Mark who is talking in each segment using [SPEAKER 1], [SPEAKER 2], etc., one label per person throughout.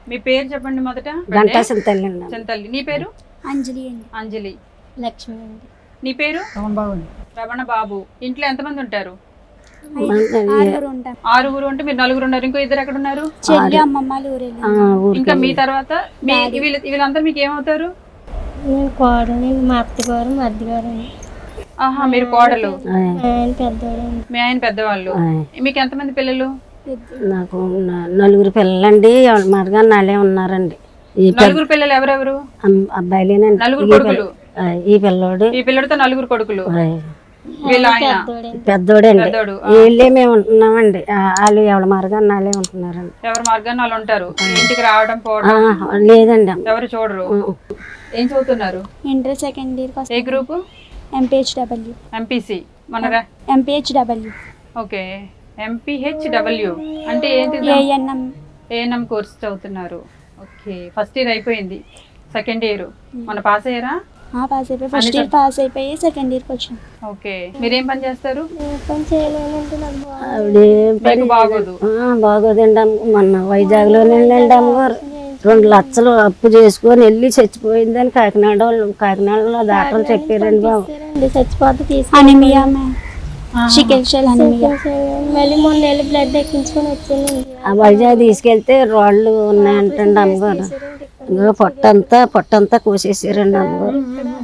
[SPEAKER 1] మీ పేరు చెప్పండి మొదట.
[SPEAKER 2] గంటా చింతల్లి అండి.
[SPEAKER 1] చింతల్లి. నీ పేరు?
[SPEAKER 3] అంజలి అండి.
[SPEAKER 1] అంజలి.
[SPEAKER 3] లక్ష్మి అండి.
[SPEAKER 1] నీ పేరు? రమణ బాబు. ఇంట్లో ఎంతమంది ఉంటారు? ఆరుగురు ఉంటే మీరు నలుగురు ఉన్నారు. ఇంకో ఇద్దరు ఎక్కడ ఉన్నారు?
[SPEAKER 3] చెల్లి అమ్మమ్మ ఊరు.
[SPEAKER 1] ఇంకా మీ తర్వాత వీళ్ళందరూ మీకు ఏమవుతారు?
[SPEAKER 3] కోడలు, మా అత్తగారు, మా అద్దగారు.
[SPEAKER 1] ఆహా, మీరు కోడలు.
[SPEAKER 3] పెద్దవాడు.
[SPEAKER 1] మీ ఆయన పెద్దవాళ్ళు. మీకు ఎంతమంది పిల్లలు?
[SPEAKER 2] నాకు నలుగురు పిల్లలండి. మరగా నాలే ఉన్నారండి.
[SPEAKER 1] నలుగురు పిల్లలు ఎవరెవరు?
[SPEAKER 2] అబ్బాయిలేనండి.
[SPEAKER 1] నలుగురు కొడుకులు.
[SPEAKER 2] ఈ పిల్లోడు,
[SPEAKER 1] ఈ పిల్లడితో నలుగురు కొడుకులు. వీళ్ళ ఆయన
[SPEAKER 2] పెద్దోడండి. వీళ్ళే మేము ఉంటున్నామండి. వాళ్ళు ఎవరి మార్గాన్ని నాలే ఉంటున్నారండి.
[SPEAKER 1] ఎవరి మార్గాన్ని వాళ్ళు ఉంటారు. ఇంటికి రావడం పోవడం
[SPEAKER 2] లేదండి.
[SPEAKER 1] ఎవరు చూడరు. ఏం చదువుతున్నారు?
[SPEAKER 3] Inter second year.
[SPEAKER 1] ఏ గ్రూప్?
[SPEAKER 3] ఎంపీహెచ్డబ్ల్యూ.
[SPEAKER 1] ఎంపీసీ. మనరా?
[SPEAKER 3] ఎంపీహెచ్డబ్ల్యూ.
[SPEAKER 1] ఓకే. ఎంపీహెచ్డబ్ల్యూ అంటే ఏంటి? ఏఎన్ఎం కోర్స్ చదువుతున్నారు. ఓకే. ఫస్ట్ ఇయర్ అయిపోయింది. సెకండ్ ఇయర్ మన పాస్ అయ్యారా?
[SPEAKER 3] పాస్ అయిపోయి ఫస్ట్ ఇయర్ పాస్ అయిపోయి సెకండ్ ఇయర్కి వచ్చాను.
[SPEAKER 1] ఓకే. మీరేం పని చేస్తారు?
[SPEAKER 2] బాగోదు బాగోదండి. మొన్న వైజాగ్ లోనేండి అమ్మగారు 2 లక్షలు అప్పు చేసుకొని వెళ్ళి చచ్చిపోయిందని కాకినాడలో డాక్టర్లు చెప్పారండి బాబు.
[SPEAKER 3] చచ్చిపోతే మళ్ళీ మొన్న వెళ్ళి బ్లడ్ ఎక్కించుకొని వచ్చాను.
[SPEAKER 2] ఆ వైజాగ్ తీసుకెళ్తే రాళ్ళు ఉన్నాయంటండి అమ్మగారు. పొట్టంతా కోసేసారండి అమ్మగారు.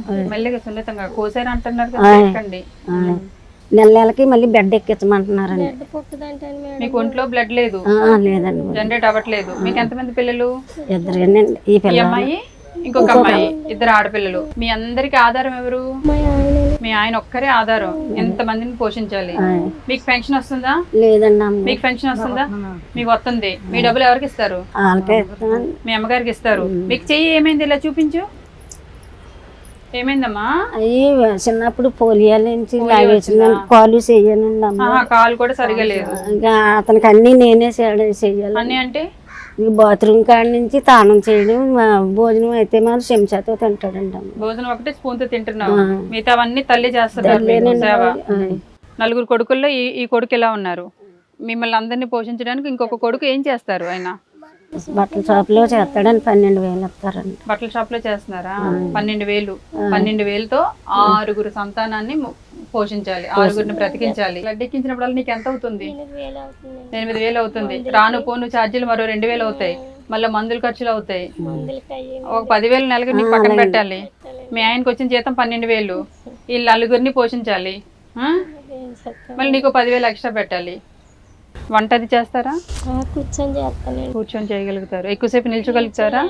[SPEAKER 2] నెలకి మళ్ళీ బెడ్ ఎక్కించమంటున్నారండి.
[SPEAKER 1] మీకు ఒంట్లో బ్లడ్ లేదు?
[SPEAKER 2] లేదండి.
[SPEAKER 1] జనరేట్ అవ్వట్లేదు. మీకు ఎంతమంది పిల్లలు?
[SPEAKER 2] ఇద్దరేనండి. ఈ
[SPEAKER 1] అమ్మాయి ఇంకొక అమ్మాయి, ఇద్దరు ఆడపిల్లలు. మీ అందరికి ఆధారం ఎవరు? మీ ఆయన ఒక్కరే ఆధారం. ఎంత మందిని పోషించాలి. మీకు పెన్షన్ వస్తుందా?
[SPEAKER 2] లేదండి.
[SPEAKER 1] మీకు పెన్షన్ వస్తుందా? మీకు వస్తుంది. మీ డబ్బులు ఎవరికి ఇస్తారు? మీ అమ్మగారికి ఇస్తారు. మీకు చెయ్యి ఏమైంది? ఇలా చూపించు. ఏమైందమ్మా?
[SPEAKER 2] అయ్యి చిన్నప్పుడు పోలియో నుంచి లాగేసిందండి. కాలు చెయ్యనండి అమ్మ.
[SPEAKER 1] కాలు కూడా సరిగా లేదు.
[SPEAKER 2] అతనికి అన్ని నేనే చెయ్యాలి.
[SPEAKER 1] అన్ని అంటే
[SPEAKER 2] బాత్రూమ్ కాడి నుంచి తానం చేయడం, భోజనం అయితే మనం చెంచాతో తింటాడండి అమ్మ.
[SPEAKER 1] భోజనం ఒకటే స్పూన్ తో తింటున్నావు. మిగతా అవన్నీ తల్లి చేస్తారు. నలుగురు కొడుకుల్లో ఈ కొడుకు ఎలా ఉన్నారు? మిమ్మల్ని అందరినీ పోషించడానికి ఇంకొక కొడుకు ఏం చేస్తారు? ఆయన
[SPEAKER 2] బట్టల షాప్ లో చేస్తాడని 12,000 ఇస్తారండి.
[SPEAKER 1] బట్టల షాప్ లో చేస్తున్నారా? 12,000. 12,000తో 6 సంతానాన్ని పోషించాలి, 6 బ్రతికించాలి. బ్లడ్ ఎక్కించినప్పుడు నీకు ఎంత అవుతుంది? 8,000 అవుతుంది. రాను పోను ఛార్జీలు మరో 2,000 అవుతాయి. మళ్ళీ మందులు ఖర్చులు అవుతాయి. ఒక 10,000 నెలకి నీకు పక్కన పెట్టాలి. మీ ఆయనకు వచ్చిన జీతం 12,000. వీళ్ళు 9 పోషించాలి. మళ్ళీ నీకు 10,000 ఎక్స్ట్రా పెట్టాలి. వంట అది చేస్తారా? కూర్చొని చేయగలుగుతారు. ఎక్కువసేపు నిల్చోగలుగుతారా?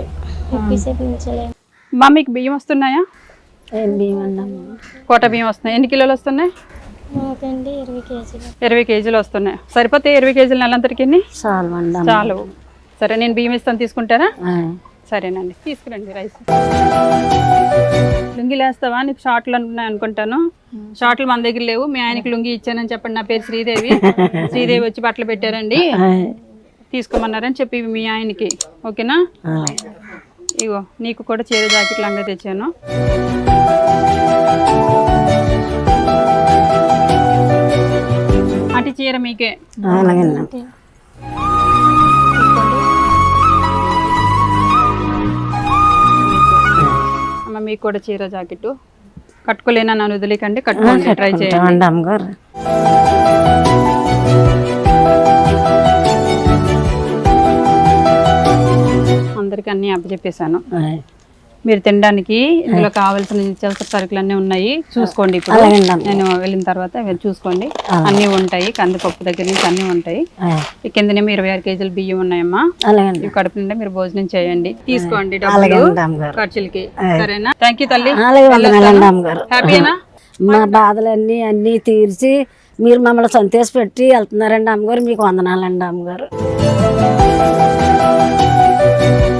[SPEAKER 1] మా మీకు బియ్యం వస్తున్నాయా? కోట బియ్యం వస్తున్నాయి. ఎన్ని కిలోలు వస్తున్నాయి? 20 కేజీలు వస్తున్నాయి. సరిపోతే 20 కేజీలు నెలంతరికి? చాలు. సరే, నేను బియ్యం ఇస్తాను, తీసుకుంటారా? సరేనండి, తీసుకురండి రైస్. లుంగిలు వేస్తావా? నీకు షార్ట్లు ఉన్నాయి అనుకుంటాను. షార్ట్లు మన దగ్గర లేవు. మీ ఆయనకి లుంగి ఇచ్చానని చెప్పండి. నా పేరు శ్రీదేవి. శ్రీదేవి వచ్చి బట్టలు పెట్టారండి, తీసుకోమన్నారని చెప్పి మీ ఆయనకి. ఓకేనా? ఇగో నీకు కూడా చీర జాకెట్ లంగా తెచ్చాను. అటు చీర మీకే. అమ్మ మీకు కూడా చీర జాకెట్. కట్టుకోలేనా? నన్ను వదిలేకండి, కట్టుకోండి, ట్రై చేయండి. అమ్మగారు అందరికి అన్ని అప్పచెప్పేశాను. మీరు తినడానికి ఇందులో కావాల్సిన నిత్యావసర సరుకులు అన్నీ ఉన్నాయి, చూసుకోండి. ఇప్పుడు నేను వెళ్ళిన తర్వాత చూసుకోండి, అన్నీ ఉంటాయి. కందిపప్పు దగ్గర నుంచి అన్నీ ఉంటాయి. కిందనేమో 26 కేజీలు బియ్యం ఉన్నాయమ్మా. కడుపు నిండా మీరు భోజనం చేయండి, తీసుకోండి డబ్బులు ఖర్చులకి. సరేనా? థ్యాంక్ యూ తల్లి. హ్యాపీనా?
[SPEAKER 2] మా బాధలన్నీ అన్నీ తీర్చి మీరు మమ్మల్ని సంతోష పెట్టి వెళ్తున్నారండి అమ్మగారు. మీకు వందనాలండి అమ్మగారు.